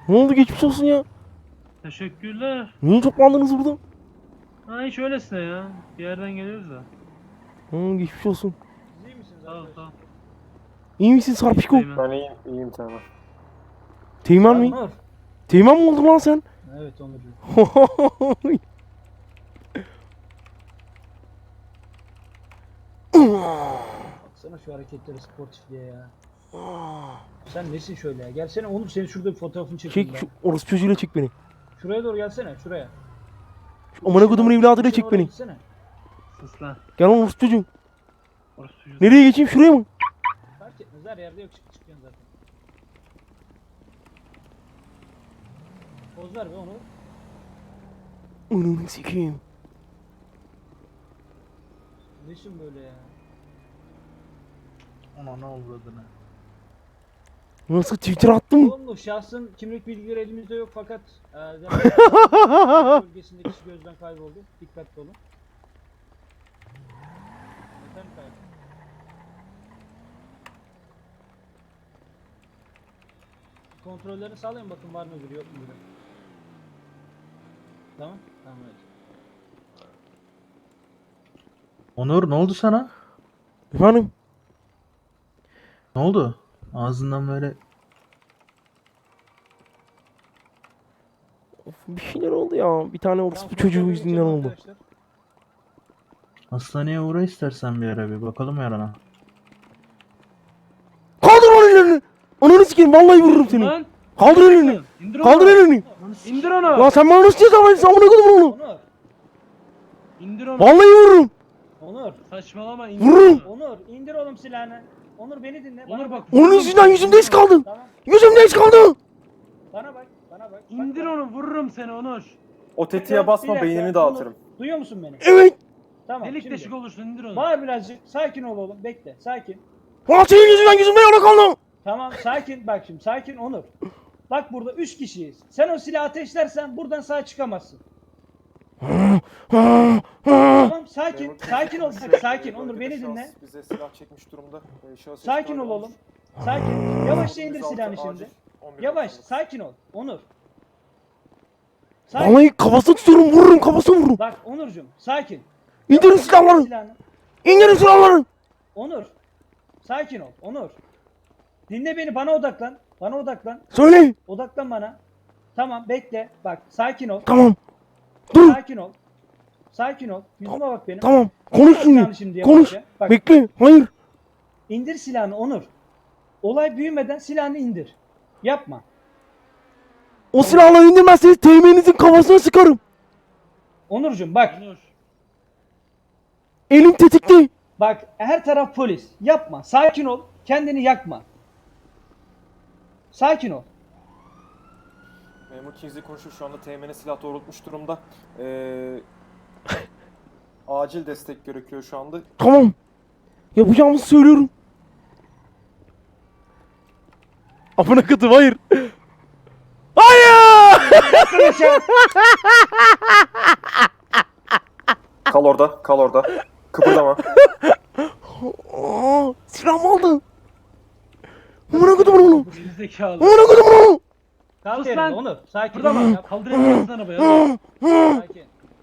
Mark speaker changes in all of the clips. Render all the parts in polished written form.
Speaker 1: Ne oldu, geçmiş olsun ya.
Speaker 2: Teşekkürler.
Speaker 1: Niye toplandınız burada?
Speaker 2: Ha hiç öylesine ya. Bir yerden geliyoruz da.
Speaker 1: Geçmiş olsun.
Speaker 3: Siz iyi misiniz
Speaker 2: Sağ ol
Speaker 3: arkadaşlar?
Speaker 2: sağ ol.
Speaker 1: İyi misin Sarpişko?
Speaker 2: Teğmen.
Speaker 4: Ben iyiyim tamam.
Speaker 1: Teğmen mi?
Speaker 3: Onur.
Speaker 1: Teğmen mi oldun lan sen?
Speaker 3: Evet Onurcuğum. Baksana şu hareketleri sportifliğe ya. Sen nesin şöyle ya? Gelsene Onur, senin şurada bir fotoğrafını çekeyim
Speaker 1: Çek
Speaker 3: ben.
Speaker 1: şu orospu çocuğuyla çek beni.
Speaker 3: Şuraya doğru gelsene, şuraya.
Speaker 1: Amına kodumun evladıyla çek
Speaker 3: Oraya
Speaker 1: beni.
Speaker 3: gitsene.
Speaker 2: Sus lan.
Speaker 1: Gel lan orospu çocuğum.
Speaker 2: Orası çocuğu.
Speaker 1: Nereye geçeyim, şuraya mı?
Speaker 3: Fark etmez, her yerde yok, çıkıyorsun zaten. Poz ver be Onur.
Speaker 1: Ananı sikeyim.
Speaker 3: Nesin böyle ya?
Speaker 5: Ona ne uğradığını.
Speaker 1: Nasıl Twitter attım?
Speaker 3: Oğlum şahsın kimlik bilgileri elimizde yok fakat bölgesindeki kişi gözden kayboldu. Dikkatli olun. Efendim kayboldu. Kontrollerini sağlayın, bakın var mı biri yok mu biri. Tamam. Tamam evet.
Speaker 5: Onur ne oldu sana?
Speaker 1: Efendim?
Speaker 5: Ne oldu? Ağzından böyle
Speaker 1: Of, bir şeyler oldu ya. Bir tane orospu
Speaker 3: Tamam,
Speaker 1: çocuğu
Speaker 3: kontrolü
Speaker 1: yüzünden
Speaker 3: geçelim
Speaker 1: oldu.
Speaker 3: arkadaşlar.
Speaker 5: hastaneye uğra istersen bir ara bir bakalım yarana.
Speaker 1: Kaldır lan ellerini. Ananı sikeyim, vallahi vururum seni.
Speaker 2: Lan.
Speaker 1: Kaldır elini.
Speaker 2: İndir onu.
Speaker 1: Kaldır elini.
Speaker 2: İndir onu.
Speaker 1: Lan sen bana nasıl ceza verirsin, amına kodum onu.
Speaker 3: Onur.
Speaker 2: İndir onu.
Speaker 1: Vallahi vururum.
Speaker 3: Onur.
Speaker 2: Saçmalama indir
Speaker 1: Vururum.
Speaker 2: onu.
Speaker 3: Onur indir oğlum silahını. Onur beni dinle.
Speaker 2: Onur bak.
Speaker 1: Onun yüzünden yüzümde iz kaldı.
Speaker 3: Tamam.
Speaker 1: Yüzümde iz kaldı.
Speaker 3: Bana bak. Bana bak.
Speaker 2: İndir
Speaker 3: Bak,
Speaker 2: onu, vururum seni Onur.
Speaker 4: O tetiğe basma,
Speaker 3: Bir dakika,
Speaker 4: beynini dağıtırım.
Speaker 3: Onur, duyuyor musun beni?
Speaker 1: Evet.
Speaker 3: Tamam
Speaker 2: Delik
Speaker 3: şimdi.
Speaker 2: deşik olursun, indir onu.
Speaker 3: Bağır birazcık. Sakin ol oğlum. Bekle. Sakin.
Speaker 1: Lan senin yüzünden yüzümde yara kaldı.
Speaker 3: Tamam sakin. Bak şimdi sakin Onur. Bak burada 3 kişiyiz. Sen o silahı ateşlersen buradan sağ çıkamazsın. Tamam sakin.
Speaker 4: Memur
Speaker 3: Sakin ol.
Speaker 4: kimse-
Speaker 3: Bak sakin Onur
Speaker 4: bölgede
Speaker 3: beni
Speaker 4: şahıs
Speaker 3: dinle.
Speaker 4: Bize silah çekmiş durumda. Şahıs
Speaker 3: Sakin
Speaker 4: ihbarı
Speaker 3: ol
Speaker 4: olmuş.
Speaker 3: oğlum. Sakin. Yavaşça indir
Speaker 4: 106
Speaker 3: silahını
Speaker 4: acil,
Speaker 3: şimdi.
Speaker 4: 11
Speaker 3: Yavaş.
Speaker 4: 99.
Speaker 3: Sakin ol. Onur. Sakin.
Speaker 1: Vallahi kafasına tutuyorum, vururum, kafasına vururum.
Speaker 3: Bak Onurcuğum sakin.
Speaker 1: İndirin silahları.
Speaker 3: Silahını.
Speaker 1: İndirin silahları.
Speaker 3: Onur. Sakin ol. Onur. Dinle beni, bana odaklan. Bana odaklan.
Speaker 1: Söyle.
Speaker 3: Odaklan bana. Tamam bekle. Bak sakin ol.
Speaker 1: Tamam. Dur.
Speaker 3: Sakin ol. Sakin ol. Yüzüme bak benim.
Speaker 1: Tamam. Konuş
Speaker 3: Silahını
Speaker 1: şimdi.
Speaker 3: yavaşça.
Speaker 1: Konuş.
Speaker 3: Bak
Speaker 1: Bekle. Hayır.
Speaker 3: indir silahını Onur. Olay büyümeden silahını indir. Yapma.
Speaker 1: O silahları indirmezseniz teğmeninizin kafasına sıkarım.
Speaker 3: Onurcuğum bak.
Speaker 2: Onur.
Speaker 1: Elim tetikte.
Speaker 3: Bak her taraf polis. Yapma. Sakin ol. Kendini yakma. Sakin ol.
Speaker 4: Memur Kingsley konuşuyor, şu anda teğmene silah doğrultmuş durumda. Acil destek gerekiyor şu anda.
Speaker 1: Tamam. Yapacağımızı söylüyorum. Amına kodum, hayır. Hayır.
Speaker 4: Kal orada, kal orada. Kıpırdama.
Speaker 1: Silahımı aldı. Amına kodum onu.
Speaker 2: Gerizekalı.
Speaker 1: Amına kodum onu.
Speaker 3: Kalk
Speaker 2: Sus
Speaker 3: yerinde
Speaker 2: lan.
Speaker 3: Onur. Sakin
Speaker 2: Burada
Speaker 3: ol.
Speaker 2: bak.
Speaker 3: Yap.
Speaker 2: Kaldır elini arabaya. Hadi.
Speaker 3: Sakin.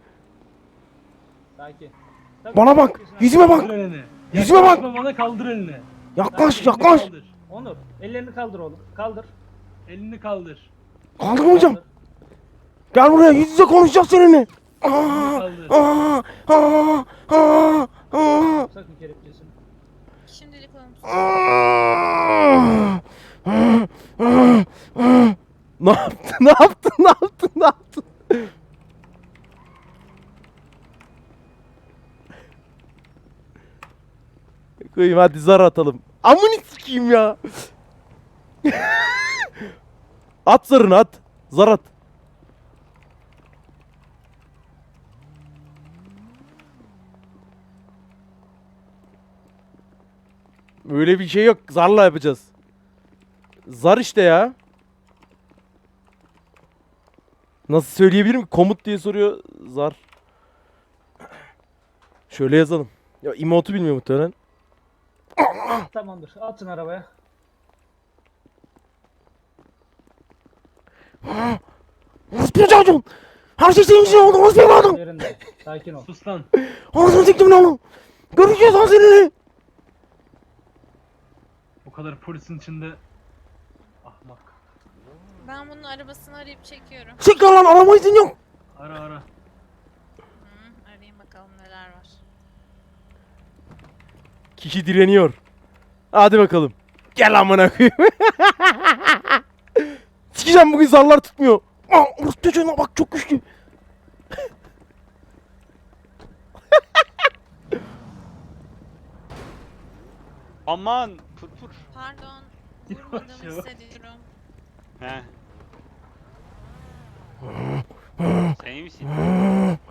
Speaker 3: Sakin. Tabii,
Speaker 1: Bana bak.
Speaker 3: sakin.
Speaker 1: Yüzüme bak.
Speaker 2: Kaldır elini.
Speaker 1: Yüzüme bak.
Speaker 2: Yaklaşma bana, kaldır elini.
Speaker 1: Yaklaş,
Speaker 2: Elini
Speaker 1: yaklaş.
Speaker 2: kaldır.
Speaker 3: Onur ellerini kaldır oğlum. Kaldır.
Speaker 2: Elini kaldır.
Speaker 1: Kaldırmayacağım.
Speaker 3: Kaldır.
Speaker 1: Gel buraya, yüz yüze konuşacağız seninle.
Speaker 2: Kaldır.
Speaker 3: Sakın kelepçesini.
Speaker 6: Şimdilik olumsuz.
Speaker 1: Ne yaptın? Ne yaptın? Ne yaptın? Ne yaptın? Koyayım, hadi zar atalım. Amını sikeyim ya. At zarını, at. Zar at. Öyle bir şey yok. Zarla yapacağız. Zar işte ya. Nasıl söyleyebilirim ki? Komut diye soruyor. Zar. Şöyle yazalım. Ya emote'u bilmiyor muhtemelen.
Speaker 3: Tamamdır. Atın arabaya.
Speaker 1: Orospu çocuğum. Her şey senin için oldu. Orospu evladım.
Speaker 3: Yerinde. Sakin ol.
Speaker 2: Sus lan.
Speaker 1: Ağzını siktim lan oğlum. Göreceğiz lan seninle.
Speaker 2: O kadar polisin içinde. Ahmak.
Speaker 6: Ben bunun arabasını arayıp çekiyorum.
Speaker 1: Sik lan arama izin yok.
Speaker 2: Ara ara.
Speaker 6: Hı, arayayım bakalım neler var.
Speaker 1: Kişi direniyor. Hadi bakalım. Gel amına koyayım. Sikeceğim bugün zarlar tutmuyor. Orospu çocuğuna bak çok güçlü.
Speaker 7: Aman pır.
Speaker 6: Pardon.
Speaker 2: Yavaş,
Speaker 6: Vurmadığımı
Speaker 2: yavaş.
Speaker 6: hissediyorum.
Speaker 7: He. Sen iyi misin?